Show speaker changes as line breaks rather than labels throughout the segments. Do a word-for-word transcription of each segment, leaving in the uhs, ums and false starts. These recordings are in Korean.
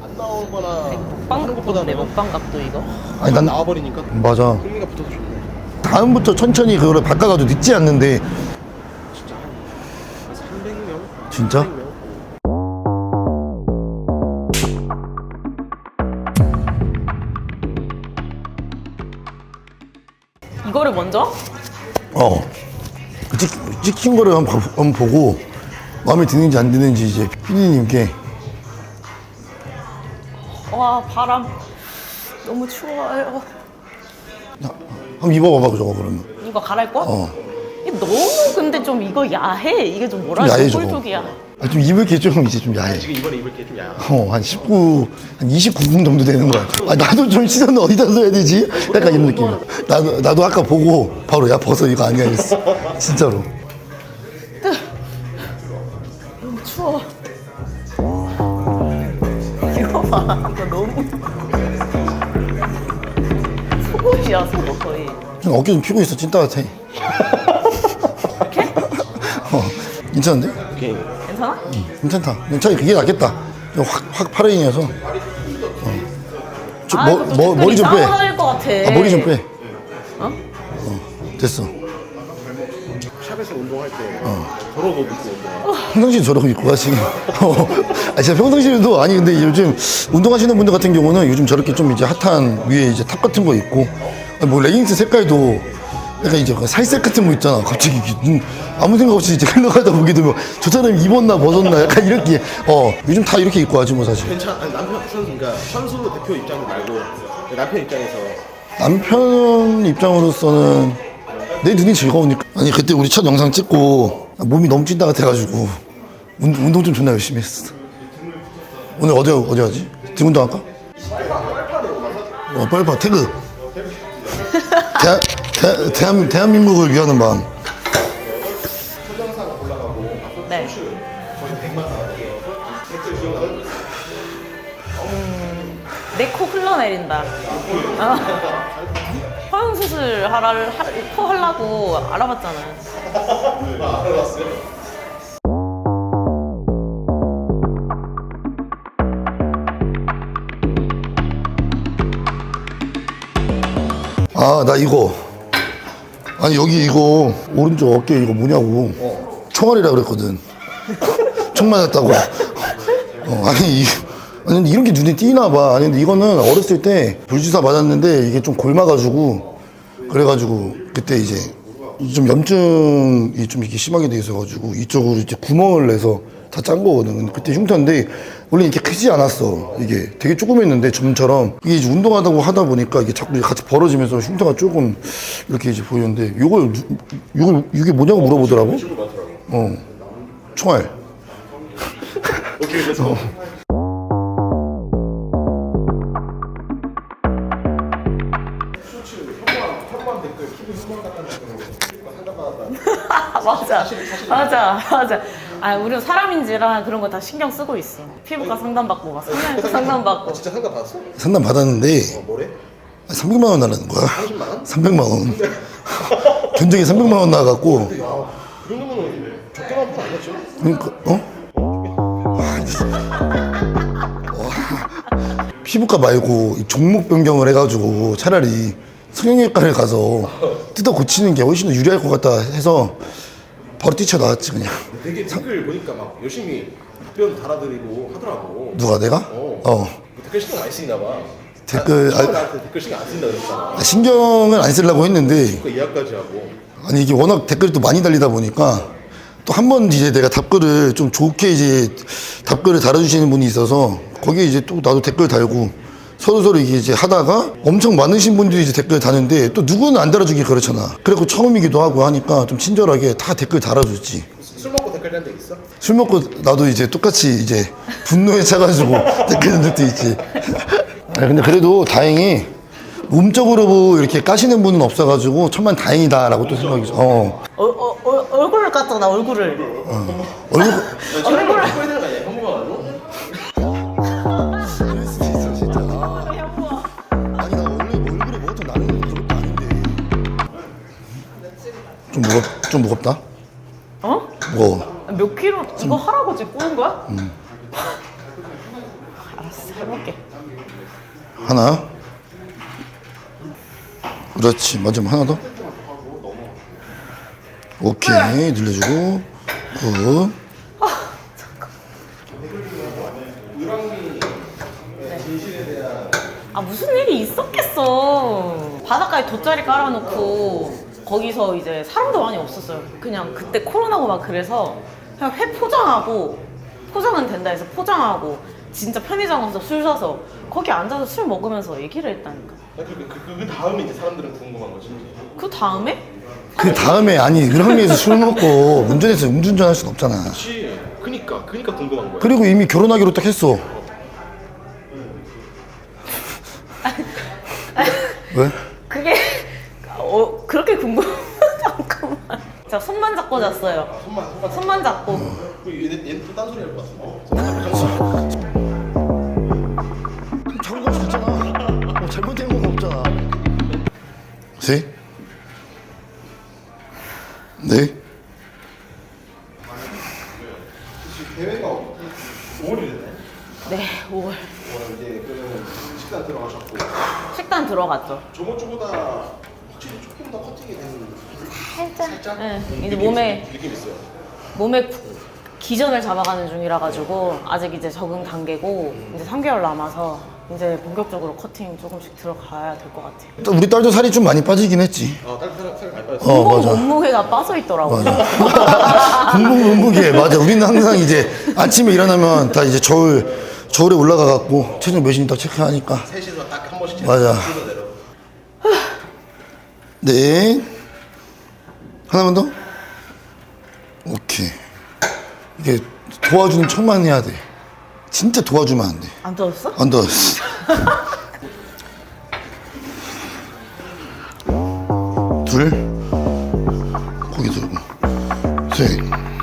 안 나오거나
먹방 각도네, 먹방 각도 이거.
아니 난
나와버리니까
맞아.
흥미가 붙어서 좋네.
다음부터 천천히 그거를 바꿔가도 늦지 않는데.
진짜 한 삼백 명?
진짜?
삼백 명?
이거를 먼저?
어. 그 찍, 찍힌 거를 한번, 봐- 한번 보고 마음에 드는지 안 드는지 이제 피디님께.
와, 바람. 너무 추워요.
한번 입어봐봐 저거 그러면.
이거 갈아입고?
어.
이게 너무 근데 좀 이거 야해. 이게 좀 뭐라
좀 야해,
해야
저거.
꿀쪽이야.
아, 좀 입을 게 좀 이제 좀 야해.
지금 이번에 입을 게 좀 야해.
어, 한 십구, 한 이십구 분 정도 되는 거야. 아, 나도 좀 시선을 어디다 둬야 되지? 약간 이런 느낌. 나도, 나도 아까 보고 바로 야, 벗어. 이거 아니야. 했어. 진짜로.
너무 추워. 이거 봐. 이거 너무. 속옷이야, 속옷 거의.
좀 어깨 좀 피고 있어. 찐따 같아.
이렇게?
어, 괜찮은데?
오케이.
괜찮아?
괜찮다. 차라리 그게 낫겠다. 확, 확 파레인이어서. 어. 저,
아,
머,
이거 좀
머, 머리 좀 빼.
싸워질 것 같아.
아, 머리 좀 빼.
어?
어, 됐어.
샵에서 운동할 때 저러고 입고 운동해.
평상시에 저러고 입고 가시긴. 어. 아, 진짜 평상시에도, 아니, 근데 요즘 운동하시는 분들 같은 경우는 요즘 저렇게 좀 이제 핫한 위에 이제 탑 같은 거 입고, 아니, 뭐 레깅스 색깔도 약간 이제 그 살색 같은 거 있잖아. 갑자기 이게 눈, 아무 생각 없이 이제 흘러가다 보게 되면 저 사람이 입었나 벗었나 약간 이렇게, 어, 요즘 다 이렇게 입고 하지 뭐 사실.
괜찮아. 아니, 남편 선수 그러니까 선수 대표 입장 말고 남편 입장에서
남편 입장으로서는 내 눈이 즐거우니까. 아니, 그때 우리 첫 영상 찍고 몸이 너무 찐다 같아가지고 운, 운동 좀 존나 열심히 했어. 오늘 어디, 어디 하지? 등 운동 할까? 어, 빨리파 태그. 대, 대, 대한, 대한민국을 위하는 마음.
네. 음, 내 코 흘러내린다. 아, 허용 수술 하라, 하, 코 하려고 알아봤잖아.
아, 나 이거. 아니, 여기 이거, 오른쪽 어깨 이거 뭐냐고. 총알이라 그랬거든. 총 맞았다고. 어, 아니, 이, 아니, 근데 이런 게 눈에 띄나 봐. 아니, 근데 이거는 어렸을 때 불주사 맞았는데 이게 좀 골마가지고, 그래가지고, 그때 이제 좀 염증이 좀 이렇게 심하게 돼 있어가지고, 이쪽으로 이제 구멍을 내서 다 짠 거거든. 근데 그때 흉터인데, 원래 이렇게 크지 않았어. 이게 되게 조그맸는데, 점처럼. 이게 이제 운동하다고 하다 보니까 이게 자꾸 같이 벌어지면서 흉터가 조금 이렇게 이제 보이는데, 요걸, 누- 요걸, 이게 뭐냐고 물어보더라고? 어. 총알.
오케이 그래서
맞아, 맞아, 맞아. 아, 우리는 사람인지라 그런 거 다 신경 쓰고 있어. 피부과 상담받고, 막 성형외과 상담받고.
진짜 상담 받았어?
상담 받았는데,
뭐래?
삼백만 원 달라는 거야.
삼십만 원?
삼백만 원. 견적이 삼백만 원 나와갖고,
그 정도면 적게 나온 건 아니었죠?
그러니까, 어? 아, 진짜. 와. 피부과 말고 이 종목 변경을 해가지고 차라리 성형외과를 가서 뜯어 고치는 게 훨씬 더 유리할 것 같다 해서 바로 뛰쳐나왔지 그냥.
되게 댓글 보니까 막 열심히 답변 달아드리고 하더라고.
누가 내가?
어.
어.
댓글 신경 많이 쓰이나 봐.
댓글,
아,
아,
나한테 댓글 신경 안 쓴다 그랬잖아.
아, 신경은 안 쓰려고 했는데
그 예약까지 하고.
아니 이게 워낙 댓글이 또 많이 달리다 보니까 또 한 번 이제 내가 답글을 좀 좋게 이제 답글을 달아주시는 분이 있어서 거기에 이제 또 나도 댓글 달고 서로 서로 이게 이제 하다가 엄청 많으신 분들이 이제 댓글 다는데 또 누구는 안 달아주기 그렇잖아. 그래고 처음이기도 하고 하니까 좀 친절하게 다 댓글 달아줬지.
술 먹고 댓글 단 적 있어?
술 먹고 나도 이제 똑같이 이제 분노에 차가지고 댓글 단 적도 있지. 아니, 근데 그래도 다행히 음적으로 뭐 이렇게 까시는 분은 없어가지고 천만 다행이다라고 또 생각이 어.
어, 어, 어, 얼굴을 깠잖아, 얼굴을.
얼굴
얼굴을.
해야 되는 거 아니야? 형부가 가지고?
그럴 수 있어 진짜. 아니 나 원래 얼굴에 뭐가 좀 나는 그런 거 아닌데. 좀 무겁 좀 무겁다.
어?
무거워.
몇 킬로 이거 하라고 지금 꼬는 거야?
음.
알았어. 알았어, 해볼게.
하나. 그렇지. 맞으면 하나 더. 오케이. 늘려주고. 굿.
아 무슨 일이 있었겠어. 바닷가에 돗자리 깔아놓고 거기서 이제 사람도 많이 없었어요. 그냥 그때 코로나고 막 그래서 그냥 회 포장하고 포장은 된다 해서 포장하고 진짜 편의점 가서 술 사서 거기 앉아서 술 먹으면서 얘기를 했다니까.
그, 그, 그, 그 다음에 이제 사람들은 궁금한 거지.
그 다음에
그 다음에 아니 을왕리에서 술 먹고 운전해서 음주운전 할 순 없잖아.
그치. 그니까, 그니까 궁금한 거야.
그리고 이미 결혼하기로 딱 했어. 왜?
그게 어, 그렇게 궁금. 잠깐만. 제가 손만 잡고 잤어요.
손만, 손만.
손만 잡고.
그 얘는, 얘는 또 딴소리 할 것 같은데.
잘못할 수 있잖아. 뭐 잘못된 건 없잖아. 세? 네?
대회가 오월이랬네.
네, 오월.
이제 그러면 식단 들어가셨고.
식단 들어갔죠.
저번 주보다 확실히 조금 더 커팅이 된
살짝.
살짝?
네, 이제
느낌
몸에
있- 느낌 있어요.
몸에 기전을 잡아가는 중이라 가지고 아직 이제 적응 단계고 이제 삼 개월 남아서 이제 본격적으로 커팅 조금씩 들어가야 될 것 같아요.
우리 딸도 살이 좀 많이 빠지긴 했지.
아, 딸 살, 살 많이 빠졌어.
어,
몸
맞아.
몸무게가 빠져 있더라고요.
공복 공복이에 맞아. 우리는 항상 이제 아침에 일어나면 다 이제 저울 저울에 올라가 갖고 체중 몇인지 딱 체크하니까.
셋이서 딱 한 번씩
맞아.
순서 내려.
네. 하나만 더. 오케이. 이게 도와주는 척만 해야 돼. 진짜 도와주면 안 돼.
안 떠졌어?
안 도와줬어. 둘. 고기 들고. 셋.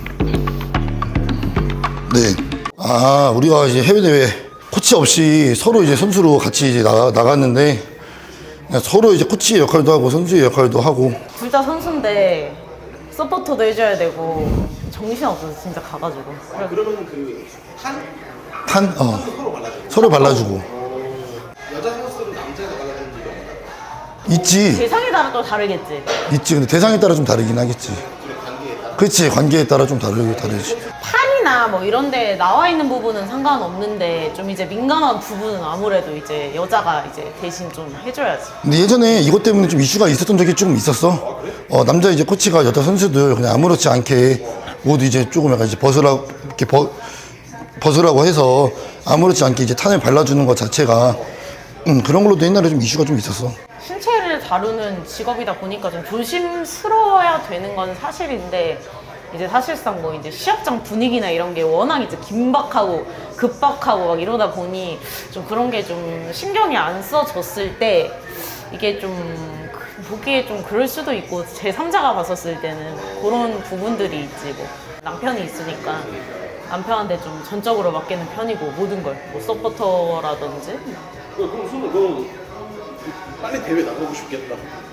넷. 아, 우리가 이제 해외대회 코치 없이 서로 이제 선수로 같이 이제 나가, 나갔는데 그냥 서로 이제 코치의 역할도 하고 선수의 역할도 하고.
둘 다 선수인데 서포터도 해줘야 되고 정신 없어서 진짜 가가지고. 그래,
그러면 그 한?
탄, 어.
서로 발라주고.
서로 발라주고.
여자 선수들은 남자가 발라주는 적이 없나요?
있지.
대상에 따라 또 다르겠지.
있지. 근데 대상에 따라 좀 다르긴 하겠지.
둘의 관계에 따라.
그렇지. 관계에 따라 좀 다르게 다르지.
팔이나 뭐 이런데 나와 있는 부분은 상관없는데 좀 이제 민감한 부분은 아무래도 이제 여자가 이제 대신 좀 해줘야지.
근데 예전에 이것 때문에 좀 이슈가 있었던 적이 조금 있었어. 어, 남자 이제 코치가 여자 선수들 그냥 아무렇지 않게 옷 이제 조금 약간 이제 벗으라, 이렇게 벗, 벗으라고 해서 아무렇지 않게 이제 탄을 발라주는 것 자체가 음, 그런 걸로도 옛날에 좀 이슈가 좀 있었어.
신체를 다루는 직업이다 보니까 좀 조심스러워야 되는 건 사실인데 이제 사실상 뭐 이제 시합장 분위기나 이런 게 워낙 이제 긴박하고 급박하고 막 이러다 보니 좀 그런 게 좀 신경이 안 써졌을 때 이게 좀 보기에 좀 그럴 수도 있고 제삼자가 봤었을 때는 그런 부분들이 있지. 뭐 남편이 있으니까 남편한테 좀 전적으로 맡기는 편이고 모든 걸 뭐 서포터라든지.
그럼 손을 너 빨리 대회 나가고 싶겠다.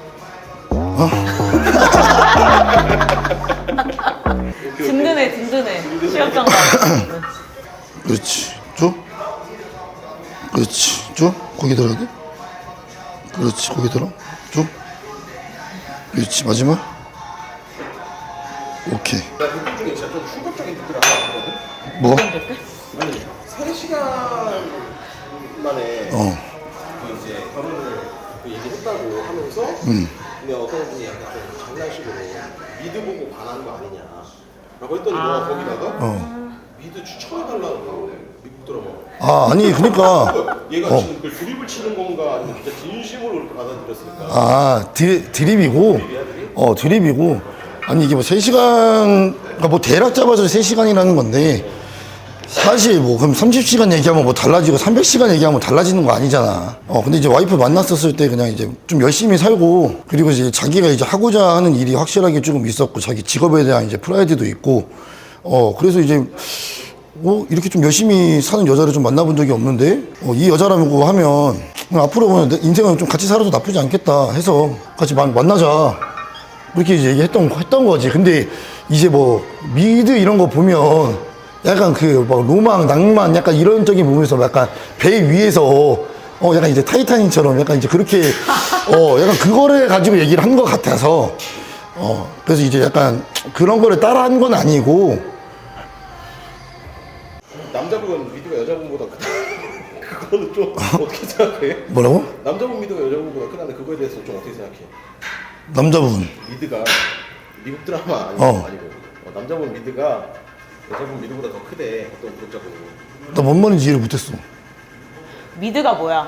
든든해 든든해 시합장 가면.
그렇지. 쭉. 그렇지. 쭉. 고기 들어야 돼. 그렇지. 고기 들어. 쭉. 그렇지. 마지막. 오케이.
나 댓글 중에 진짜 좀 충격적인 댓글 하나 봤거든?
뭐?
아니, 세 시간 만에
어.
그 이제 결혼을 그 얘기했다고 하면서
음.
근데 어떤 분이 약간 좀 장난식으로 미드 보고 반하는 거 아니냐 라고 했더니 너가 거기다가
어.
미드 추천해달라고 미국 드라마
아, 아니, 그러니까.
얘가
어.
지금 그 드립을 치는 건가 아니면 진짜 진심으로 그렇게 받아들였을까.
아, 드립, 드립이고. 어, 드립이고. 아니, 이게 뭐 세 시간, 그러니까 뭐 대략 잡아서 세 시간이라는 건데, 사실 뭐 그럼 삼십 시간 얘기하면 뭐 달라지고 삼백 시간 얘기하면 달라지는 거 아니잖아. 어, 근데 이제 와이프 만났었을 때 그냥 이제 좀 열심히 살고, 그리고 이제 자기가 이제 하고자 하는 일이 확실하게 조금 있었고, 자기 직업에 대한 이제 프라이드도 있고, 어, 그래서 이제, 뭐 이렇게 좀 열심히 사는 여자를 좀 만나본 적이 없는데, 어, 이 여자라고 하면, 앞으로 보면 내 인생은 좀 같이 살아도 나쁘지 않겠다 해서 같이 만, 만나자. 이렇게 이제 얘기했던, 했던 거지. 근데 이제 뭐 미드 이런 거 보면 약간 그 막 로망, 낭만 약간 이런적인 부분에서 약간 배 위에서 어 약간 이제 타이타닉처럼 약간 이제 그렇게 어 약간 그거를 가지고 얘기를 한 것 같아서 어 그래서 이제 약간 그런 거를 따라한 건 아니고
남자분 미드가 여자분보다 크다. 그거는 좀 어떻게 생각해?
뭐라고?
남자분 미드가 여자분보다 크다는데 그거에 대해서 좀 어떻게 생각해?
남자분
미드가 미국 드라마 아니고,
어.
아니고 어, 남자분 미드가 여자분 미드보다 더 크대. 어떤 구독자분이.
나 뭔 말인지 이해를 못했어.
미드가 뭐야?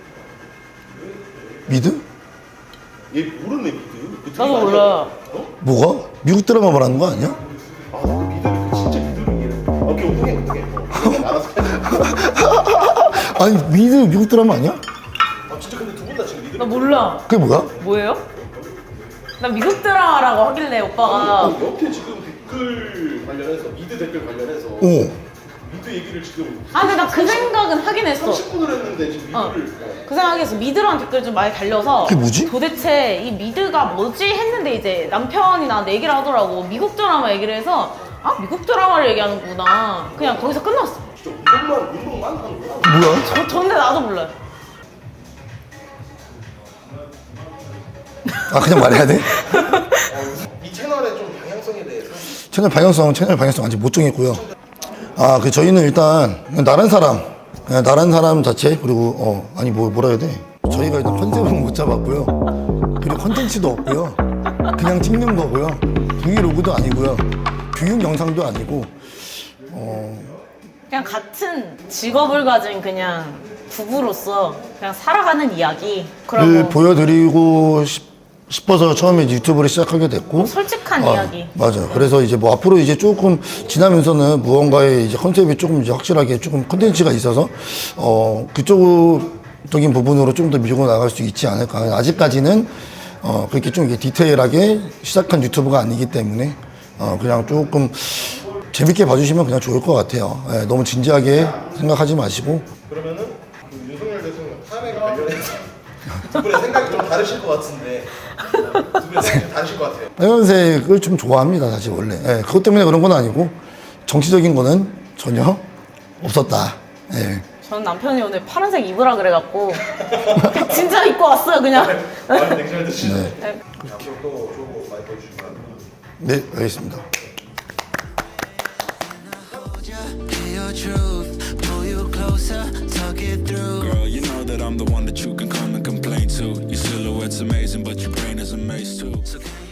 미드?
얘 모르네 미드. 그
나도
드라마
몰라.
아니야? 어?
뭐가? 미국 드라마 말하는 거 아니야?
아 나도 미드를 그 진짜 미드를 이해. 아, 오케이 어떻게 어떻게. 어, 알아서 해.
아니 미드 미국 드라마 아니야?
아 진짜 근데 두 분 다 지금 미드.
나 몰라.
그게 뭐야?
뭐예요? 나 미국 드라마라고 하길래 오빠가
어, 옆에 지금 댓글 관련해서 미드 댓글 관련해서
어.
미드 얘기를 지금
아 근데 나 그 생각은 하긴 했어.
삼십 분을 했는데 지금
어.
미드를
그 생각에서 미드라는 댓글 좀 많이 달려서
그게 뭐지?
도대체 이 미드가 뭐지 했는데 이제 남편이 나한테 얘기를 하더라고. 미국 드라마 얘기를 해서 아 미국 드라마를 얘기하는구나. 그냥 거기서 끝났어.
진짜 운동만 운동만 하는 거야.
뭐야?
저, 전데 나도 몰라요.
아 그냥 말해야 돼?
어, 이 채널의 좀 방향성에 대해서
채널 방향성 채널 방향성 아직 못 정했고요. 아 그 저희는 일단 그냥 나란 사람 그냥 나란 사람 자체 그리고 어 아니 뭐 뭐라 해야 돼? 저희가 일단 컨셉은 못 잡았고요. 그리고 컨텐츠도 없고요. 그냥 찍는 거고요. 브이로그도 아니고요. 교육 영상도 아니고
그냥 같은 직업을 가진 그냥 부부로서 그냥 살아가는 이야기.
를
그리고
보여드리고 싶, 싶어서 처음에 이제 유튜브를 시작하게 됐고
솔직한
아,
이야기.
맞아요. 그래서 이제 뭐 앞으로 이제 조금 지나면서는 무언가의 이제 컨셉이 조금 이제 확실하게 조금 컨텐츠가 있어서 어 그쪽적인 부분으로 좀 더 밀고 나갈 수 있지 않을까. 아직까지는 어 그렇게 좀 이게 디테일하게 시작한 유튜브가 아니기 때문에 어 그냥 조금 재밌게 봐주시면 그냥 좋을 것 같아요. 예, 너무 진지하게 생각하지 마시고
그러면은 그 윤석열 대통령 탄핵 관련해서 두 분의 생각이 좀 다르실 것 같은데 두 분의 생각이 좀 다르실 것 같아요.
빨간색을 좀 좋아합니다, 사실 원래. 예, 그것 때문에 그런 건 아니고 정치적인 거는 전혀 없었다. 예.
저는 남편이 오늘 파란색 입으라 그래갖고 진짜 입고 왔어요 그냥.
많이 냉철 드시네.
네.
앞으로 또 좋은 모습 많이 보여주시면
네, 알겠습니다.
Hear your truth, pull you closer, talk it through. Girl, you know that I'm the one that you can come and complain to. Your silhouette's amazing, but your brain is a maze too. So can you